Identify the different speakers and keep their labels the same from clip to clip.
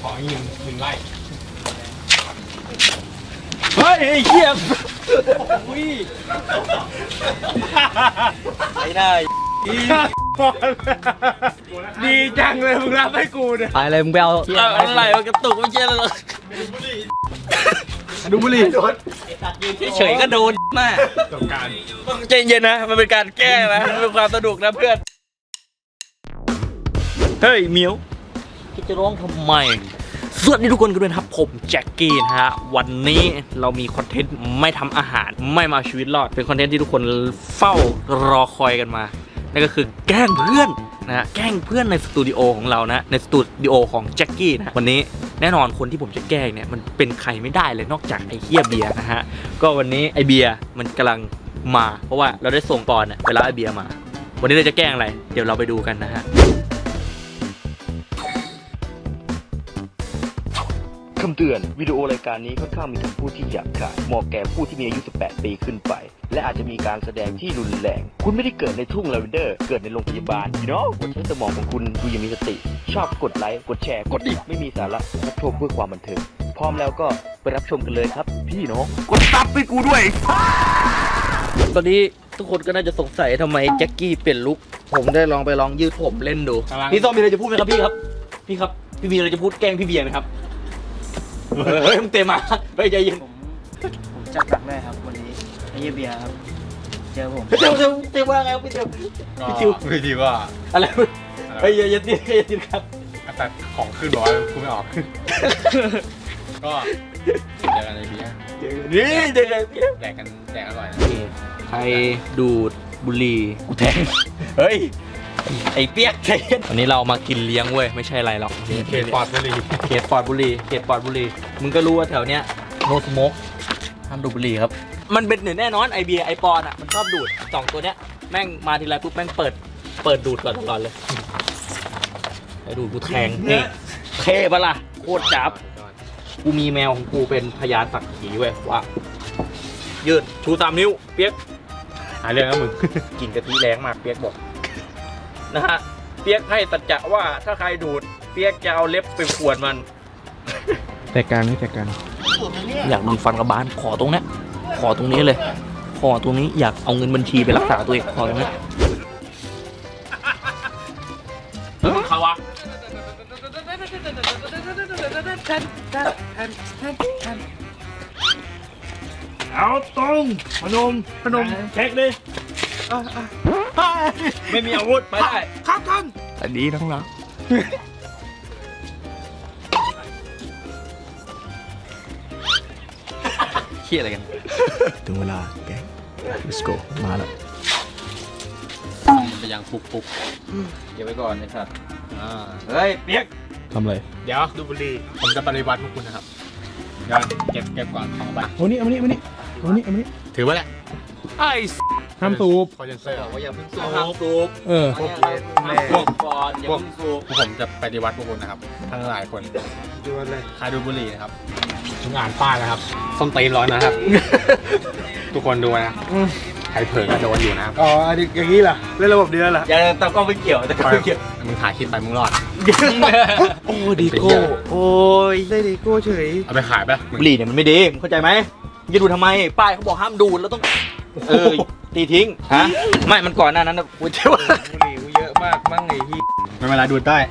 Speaker 1: ออีกหนึ่งไร่
Speaker 2: เฮ้ยไอ้เหี้ยไอ้ได้
Speaker 1: ดีจังเลยมึงรับให้กูเนี่ย
Speaker 2: ไปเลยมึงไปเอาอะไรวะกระตุกไม่ใช่หรอก
Speaker 1: ดูบุหรี่
Speaker 2: เฉยๆก็โดนมาก
Speaker 1: สงการ
Speaker 2: ต้องใจเย็นนะมันเป็นการแก้นะมันเป็นความสนุกนะเพื่อนเฮ้ยเมียวจะร้องทำไมสวัสดีทุกคนกันด้วยครับผมแจ็คกี้นะฮะวันนี้เรามีคอนเทนต์ไม่ทำอาหารไม่มาชีวิตรอดเป็นคอนเทนต์ที่ทุกคนเฝ้ารอคอยกันมานั่นก็คือแกล้งเพื่อนนะฮะแกล้งเพื่อนในสตูดิโอของเรานะในสตูดิโอของแจ็คกี้นะวันนี้แน่นอนคนที่ผมจะแกล้งเนี่ยมันเป็นใครไม่ได้เลยนอกจากไอ้เฮียเบียร์นะฮะก็วันนี้ไอ้เบียร์มันกำลังมาเพราะว่าเราได้ส่งปอนไปรับไอ้เบียร์มาวันนี้เราจะแกล้งอะไรเดี๋ยวเราไปดูกันนะฮะคำเตือนวิดีโอรายการนี้ค่อนข้างมีคำพูดที่หยาบคายเหมาะแก่ผู้ที่มีอายุ 18 ปีขึ้นไปและอาจจะมีการแสดงที่รุนแรงคุณไม่ได้เกิดในทุ่งลาเวนเดอร์เกิดในโรงพยาบาลกดใช้สมองของคุณดูอย่างมีสติชอบกดไลค์กดแชร์กดดิไม่มีสาระรับชมเพื่อความบันเทิงพร้อมแล้วก็ไปรับชมกันเลยครับพี่น้องกดซับให้กูด้วยตอนนี้ทุกคนก็น่าจะสงสัยทำไมแจ็คกี้เปลี่ยนลุคผมได้ลองยืดผมเล่นดูพี่ส้มมีอะไรจะพูดไหมครับพี่ครับพี่มีอะไรจะพูดแกล้งพี่เบียร์ไหมครับเฮ้ยมึงเตะมาเฮ้ยใจเย็น
Speaker 3: ผมจัดหนักแน่ครับวันนี้ไอ้เบียร์ครับเจอผม
Speaker 2: เตะว่าไงพี่ทิว
Speaker 1: ว่า
Speaker 2: อะไรเฮ้ยอย่าตีครับ
Speaker 1: แต่ของขึ้นบอกว่ากูไม่ออกก็เจอกันในเบียร์
Speaker 2: นี่เจอกันเบียร์
Speaker 1: แดกอร่อยนะ
Speaker 2: ใครดูดบุหรี่กูแทงเฮ้ยไอ้เปียกเทนวันนี้เรามากินเลี้ยงเว้ยไม่ใช่อะไรหรอก
Speaker 1: เขตปลอดบุหรี่
Speaker 2: เขตปลอดบุหรี่มึงก็รู้ว่าแถวเนี้ยโนสโมกห้ามดูดบุหรี่ครับมันเป็นหนึ่งแน่นอนไอเบียร์ไอปอนอ่ะมันชอบดูดสองตัวเนี้ยแม่งมาทีไรปุ๊บแม่งเปิดดูดก่อนตลอดเลยไอดูดกูแทงนี่เท่ปะล่ะโคตรจับกูมีแมวของกูเป็นพยานสักขีเว้ยว่ายืดชู3 นิ้วเปียก
Speaker 1: หาเรื่องแล้วมึง
Speaker 2: กินกะทิแรงมากเปียกบอกนะฮะเปียกให้สัจจะว่าถ้าใครดูดเปียกจะเอาเล็บไปขวนมัน
Speaker 1: แต่การไม่แต่การ
Speaker 2: อยากโดนฟันกระบาลขอตรงนี้เลยขอตรงนี้อยากเอาเงินบัญชีไปรักษาตัวเองขอตรงนี้ใครวะเอาตรงพนมเช็คดิไม่มีอาวุธไปได้
Speaker 1: ครับท่าน
Speaker 2: อันนี้ทั้งนั้นเครียดอะไรกัน
Speaker 1: ถึงเวลาแกง let's go มาแล้ว
Speaker 2: ไปยังปุกเก็บไว้ก่อนนะครับเฮ้ยเปียก
Speaker 1: ทำอะไร
Speaker 3: เดี๋ยวดูบุหรี่
Speaker 1: ผมจะปฏิวัติพวกคุณนะครับเดี๋ยวเก็บก่อนของไป
Speaker 3: เอานี่
Speaker 1: ถือไว้แหละ
Speaker 2: ไอ้
Speaker 1: ห้ามสูบ
Speaker 2: พอจะเซ่ว่าอย่าเพิ่งสูบห้ามสูบ
Speaker 1: พวก
Speaker 2: ก่อนอย่าเพิ่งสูบ
Speaker 1: ผมจะปฏิวัติพวกคุณนะครับทั้งหลายคน
Speaker 3: ดูอะไร
Speaker 1: ใครดูบุหรี่นะครับทุกงานป้ายนะครับส้มตีนร้อนนะครับทุกคนดูนะใครเผลอก็โดนอยู่นะครับ
Speaker 3: อ๋ออย่างนี้ล่ะเล่นระบบเดือนล่ะ
Speaker 2: อย่าตะก้องไม่เกี่ยว
Speaker 1: มึงถ่ายคลิปไปมึงรอด
Speaker 3: โอ้ดีโก้โอ้ยได้ดีโก้เฉย
Speaker 1: เอาไปขายไป
Speaker 2: บุหรี่เนี่ยมันไม่ดีเข้าใจไหมจะดูทำไมป้ายเขาบอกห้ามดูดแล้วต้องตีทิ้งฮะไม่มันก่อนหน้านั้นนะกูเชื่อว่า
Speaker 3: บุหรี่กูเยอะมากมั่งไอ้ที่
Speaker 1: ไม่เวลาดูดได้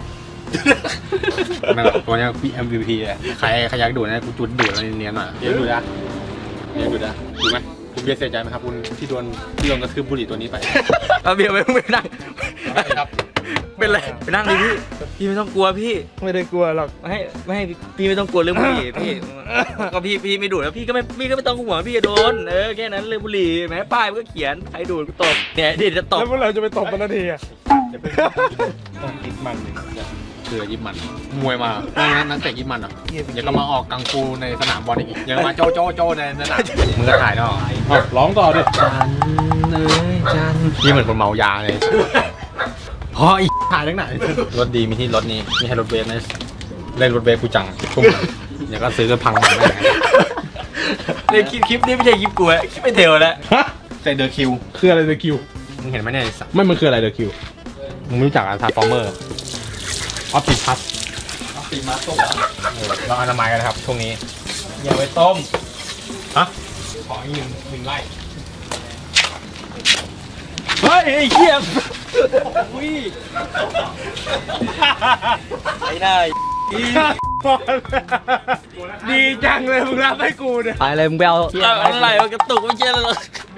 Speaker 1: ตัวนี้พี่ MVP เลยใครอยากดูดนะกูจุดดูดแล้วเนียนหน่อยดูดนะดูไหมคุณเบียร์เสียใจไหมครับคุณที่โดนกระทืบบุหรี่ตัวนี้ไป
Speaker 2: เอาเบียร์ไปนั่งครับเป็นไรไปนั่งดิพี่ไม่ต้องกลัวพี่
Speaker 3: ไม่ได้กลัวหรอก
Speaker 2: ไม่ให้พี่ไม่ต้องกลัวเรื่องบุหรี่พี่ก็พี่ไม่ดูดแล้วพี่ก็ไม่ต้องห่วงพี่จะโดนแค่นั้นเรื่องบุหรี่แม้ป้ายมันก็เขียนใครดูดก็ตบเนี่ยเดี๋ยวจะตบ
Speaker 3: แล้วเมื่อไหร่จะไปตบมันนาทีอ่ะ
Speaker 1: ต้องยิบมันคือยิบมันมวยมานักเตะยิบมันอ่ะอย่าก็มาออกกังฟูในสนามบอลอีกอย่ามาโจในสนามมึงก็ถ่ายเนาะร้องต่อดิจันนี่เหมือนคนเมายาเลยพออีกถ่ายทั้งไหนรถดีมีที่รถนี้มีให้รถเวฟนะเล่นรถเวฟกูจังทุ่มอย่าก็ซื้อก็พังหมดเลย
Speaker 2: ในคลิปนี้ไม่ใช่คลิปกูคลิปไม่เทวแล้ว
Speaker 1: ใส่เดอะคิว
Speaker 3: คืออะไรเดอะคิว
Speaker 1: มึงเห็นไหมเนี่ย
Speaker 3: ไม่มันคืออะไรเดอะคิว
Speaker 1: มึงรู้จักอะไรทาร์ฟอร์เมอร์ออฟติพัส
Speaker 4: ตีมาต้ม
Speaker 1: เราอนามัยกันนะครับช่วงนี้
Speaker 4: อย่าไปต้ม
Speaker 1: ฮะขออีกหนึ่งไร่
Speaker 4: เฮ้ยไอ้เหี้ยอุ้ยไอ้ได้
Speaker 3: ดีจังเลยมึงรับให้กูเนี่ย
Speaker 4: ไปเลยมึงไปเอาอะไรมันกระตุกไม่ใช่เลย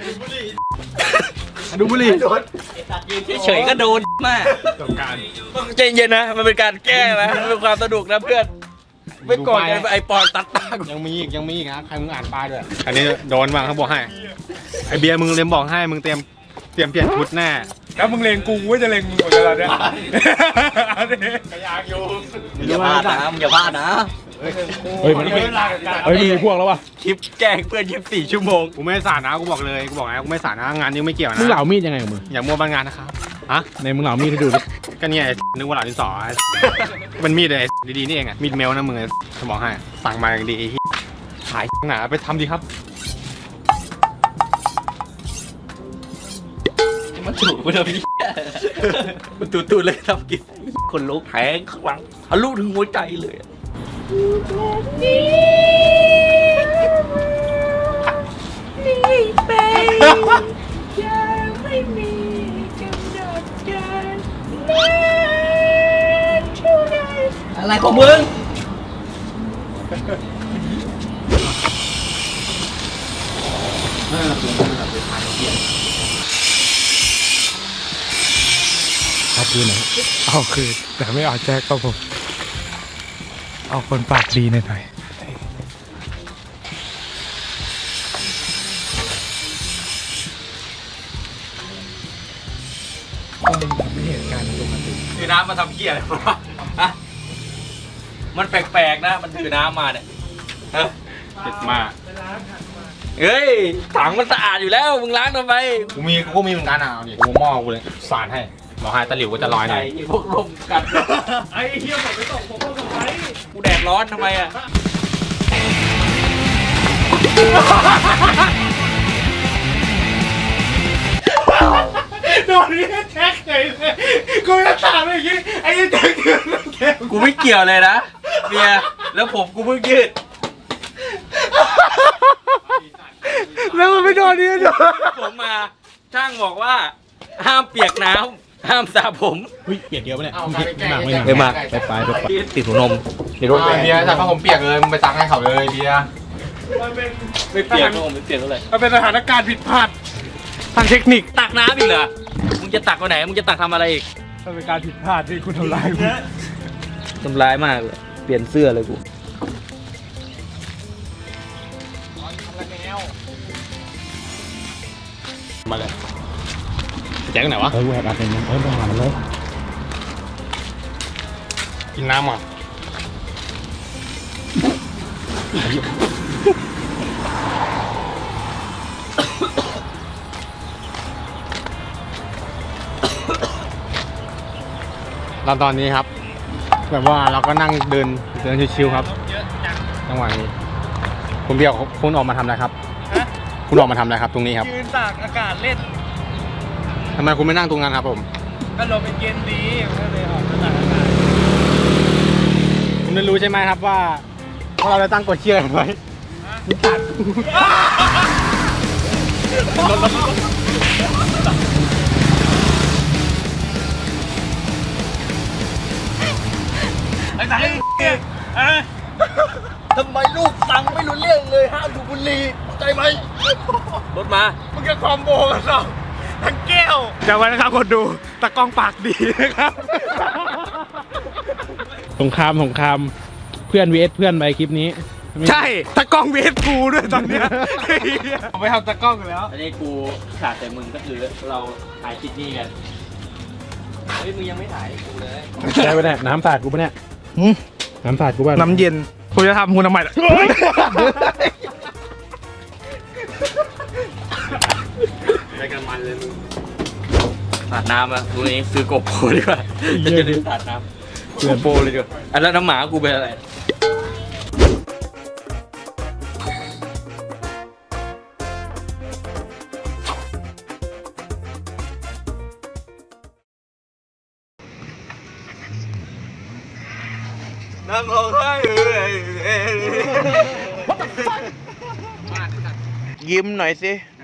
Speaker 3: ดูบุหรี่
Speaker 4: เฉยๆก็โดนมาก
Speaker 1: จบการ
Speaker 4: ใจเย็นนะมันเป็นการแก้นะมันเป็นความสนุกนะเพื่อนไม่โกรธกันไอปอนตัดตากู
Speaker 1: ยังมีอีกนะใครมึงอ่านป้ายด้วยอันนี้โดนบ้างเขาบอกให้ไอเบียร์มึงเล็มบอกให้มึงเตรียมเปลี่ยนชุดแน่
Speaker 3: แล้วมึงเลงกูว่าจะเลงมึงหมดแล้วเนี่ยอันนี้
Speaker 1: กระยางอยู่
Speaker 4: อย่าพลาดนะอย่าพลาดนะ
Speaker 1: เฮ้ยมันไม่มีพวกแล้ววะ
Speaker 4: คลิปแกล้งเพื่อน24 ชั่วโมง
Speaker 1: กูไม่สาดนะกูบอกเลยกูบอกนะกูไม่สาดนะงานนี้ไม่เกี่ยวนะ
Speaker 3: มึงเหลามีดยังไงกับมึง
Speaker 1: อย่ามัวบ้านงานนะครับฮะ
Speaker 3: ในมึงเหลามีดให้ดูดิ
Speaker 1: ก็เนี่ยนึกว่าหลานดินสอมันมีดเลยดีๆนี่เองอะมีดเมลนะมึงสมองให้สั่งมาอย่างดีไอ้ขายหนาไปทำดีครับ
Speaker 4: มันถูกไปเลยพี่มันตูดเลยทำกินคนลุกแทงข้างหลังทะลุถึงหัวใจเลยอะไรของมึง
Speaker 3: เอาคืนหน่อยเอาคืนแต่ไม่เอาแจ็คครับผมเอาคนปากดีหน่อยไม่เห็นการปกติ
Speaker 4: ถือน้ำมาทำเพี้ยอะไรวะฮะมันแปลกๆนะ มันถือน้ำมาเนี่ยฮะ
Speaker 1: เจ็ดมาก
Speaker 4: เฮ้ย ถังมันสะอาดอยู่แล้ว มึงล้างทำไม
Speaker 1: กูมีเหมือนกันอ่ะเอาดิกูหม้อกูเลยสารให้บอกให้ตะหลิวก็จะลอยหน่อย
Speaker 4: ไอ้พวกลมกัดไอ้เหี้ยผมไปตกผมก็ตกไปกูแดดร้อนทำไมอ่ะ
Speaker 3: โดนนี่แจ็คเลยกูจะถามอย่างนี้ไอ้แจ็คยืนแก
Speaker 4: กูไม่เกี่ยวเลยนะเมียแล้วผมกูเพิ่งยืด
Speaker 3: แล้วมันไม่โดนนี่โดน
Speaker 4: ผมมาช่างบอกว่า ห้ามเปียกน้ำห้ามสระผม
Speaker 3: เฮ้ยเปลี่ยนเยอะปะเนี่ย
Speaker 4: ไม่มาก
Speaker 3: ไป
Speaker 4: ติดหัวนมเดี๋ยวโดน
Speaker 1: เบียร์แต่ผ้าผมเปียกเลยมึงไปซักให้เขาเลยเบียร์
Speaker 4: ไม่เปียกผมไม่เปียกเท่าไหร่
Speaker 3: มันเป็นสถานการณ์ผิดพลาดทางเทคนิค
Speaker 4: ตักน้ำอีกเหรอมึงจะตักไปไหนมึงจะตักทำอะไรอีก
Speaker 3: มันเป็นการผิดพลาดที่คุณทำลายกู
Speaker 4: ทำร้ายมากเลยเปลี่ยนเสื้อเลยกู
Speaker 1: มาเลยแจ็คไหนวะ
Speaker 3: แหวกอะไรเนี่ยต้องหาเลย
Speaker 1: กินน้ำอ่ะเราตอนนี้ครับ แบบว่าเราก็นั่งเดินชิวๆครับจังหวะนี้คุณเบียร์คุณออกมาทำอะไรครับคุณออกมาทำอะไรครับตรงนี้ครับ
Speaker 3: ยืนตากอากาศเล่น
Speaker 1: ทำไมคุณไม่นั่งตรงนั้นครับผม
Speaker 3: ก็ลมเป็นเย็นดีก็เลยออกมาตากอากาศ
Speaker 1: คุณไม่รู้ใช่ไหมครับว่าเราได้ตั้งกฎเชียร์ไว้
Speaker 4: ไอ้ไหนทำไมลูกสั่งไม่รู้เรื่องเลยห้ามดูดบุหรี่ใจไหมรถมา
Speaker 3: มึงจะคอมโบกันหรอทั้งแก้วจากวันนะครับคนดูตะกล้องปากดีนะครับสงครามเพื่อน vs เพื่อนไปคลิปนี้ ใช่ตะกล้อง vs กูด้วยตอนเนี้ยเอาไปทำตะกล้องอยู่แล้ว
Speaker 4: อันนี้กูขาดแต่มึงก็คือเราถ่ายคลิปนี้กันเฮ้ยมึงยังไม่ถ่ายกูเลย
Speaker 3: ใช่ปะเนี่ยน้ำสาดกูปะเนี่ยน้ำสาดกูปะน้ำเย็นกูจะทำกูทำไมล่ะ
Speaker 1: ไปกันมันเลยมึง
Speaker 4: สาดน้ำอ่ะกูนี้ซื้อโกโปรดีกว่าจะได้สาดน้ำโกโปรเลยดีกว่าอันแล้วน้ำหมากูเป็นอะไรน้ำ
Speaker 3: ยิ้มหน่อยสิ